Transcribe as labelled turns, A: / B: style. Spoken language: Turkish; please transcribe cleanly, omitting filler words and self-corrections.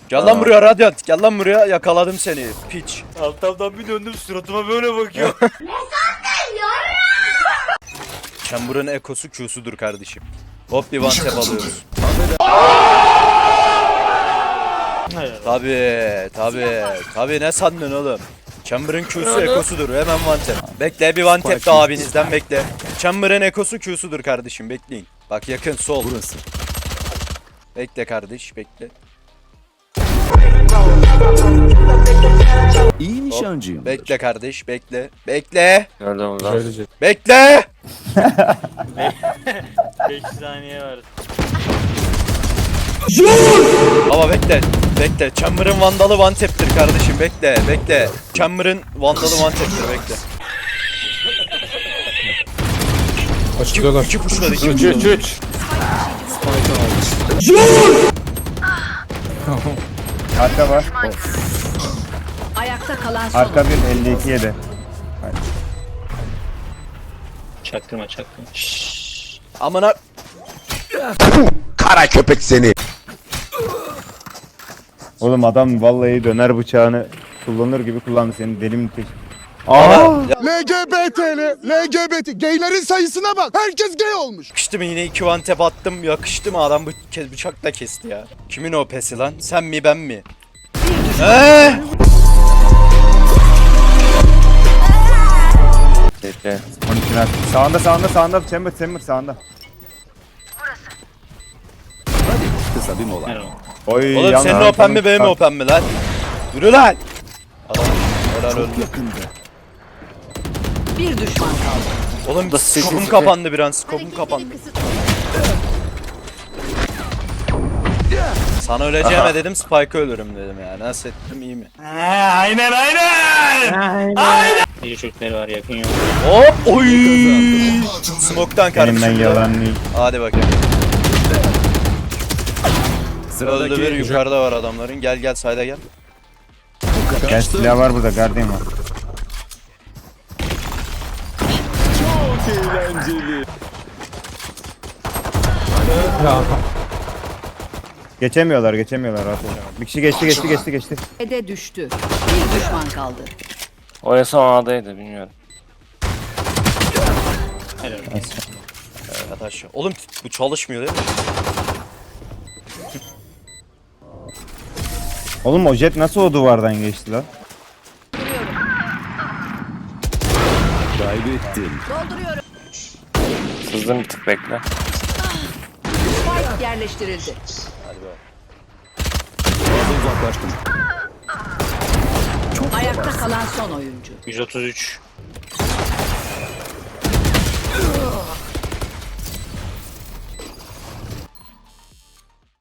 A: Gel lan buraya Radyant. Gel lan buraya. Yakaladım seni. Piç.
B: Alttan bir döndüm suratıma böyle bakıyor.
A: Chamber'ın ekosu Q'sudur kardeşim. Hop bir one tap alıyoruz. Tabi ne sandın oğlum? Chamber'ın Q'su ekosudur. Hemen one tap. Bekle bir one tap da abinizden bekle. Chamber'ın ekosu Q'sudur kardeşim. Bekleyin. Bak yakın sol.
C: Burası.
A: Bekle kardeş bekle.
C: İyi nişancıyım.
A: Bekle kardeş bekle. Bekle.
B: Gördüm lan.
A: Bekle.
B: 5 saniye var.
A: Baba bekle. Bekle. Chamber'ın vandalı one tap'tir kardeşim. Bekle. Bekle. Chamber'ın vandalı one tap'tir bekle.
D: Açılıyorlar.
A: İki puşladı. İki puşladı.
B: 3.
E: Arka var.
F: Ayakta kalan son.
E: Arka 1 52 7.
B: Çaktırma.
A: Amına.
G: Kara köpek seni.
E: Oğlum adam vallahi döner bıçağını kullanır gibi kullandı senin deli mi tek.
G: LGBT'li, LGBT. Gaylerin sayısına bak. Herkes gay olmuş.
A: Yakıştı mı yine iki one tap attım. Yakıştı mı adam bıçakla kesti ya. Kimin o pesi lan? Sen mi ben mi?
B: Bekle.
E: 12 ver. Sağında Chamber sağında.
C: Kısa bir mola.
E: Oy
A: Oğlum
E: yan
A: senin open mi benim open mi lan? Yürü lan. Adam helal öldü.
C: Yakında.
F: Bir düşman kaldı.
A: Oğlum skopum kapandı bir an. Skopum kapandı. Sana öleceğime dedim Spike'ı ölürüm dedim ya. Nasıl ettim iyi mi?
B: İyi çocukları var yakın yok.
A: Hop oy. Smoke'tan
E: Benim ben
A: kardeşim.
E: yalan değil.
A: Hadi bakayım.
C: Sıradaki
A: Öldü bir yukarıda var adamların. Gel sayda gel.
E: Gel silah var burada Guardian var.
C: eğlenceli.
E: Geçemiyorlar rahat ol. Bir kişi geçti.
F: Ede düştü. Bir düşman kaldı.
B: O en son A'daydı bilmiyorum.
A: Arkadaş. Oğlum bu çalışmıyor değil mi?
E: Oğlum o jet nasıl o duvardan geçti lan?
C: Kaybettin.
F: Dolduruyorum.
B: Sızdım bir tık bekle.
F: Spike yerleştirildi.
C: Fazla uzaklaştım.
F: Ayakta kalan son oyuncu.
B: 133.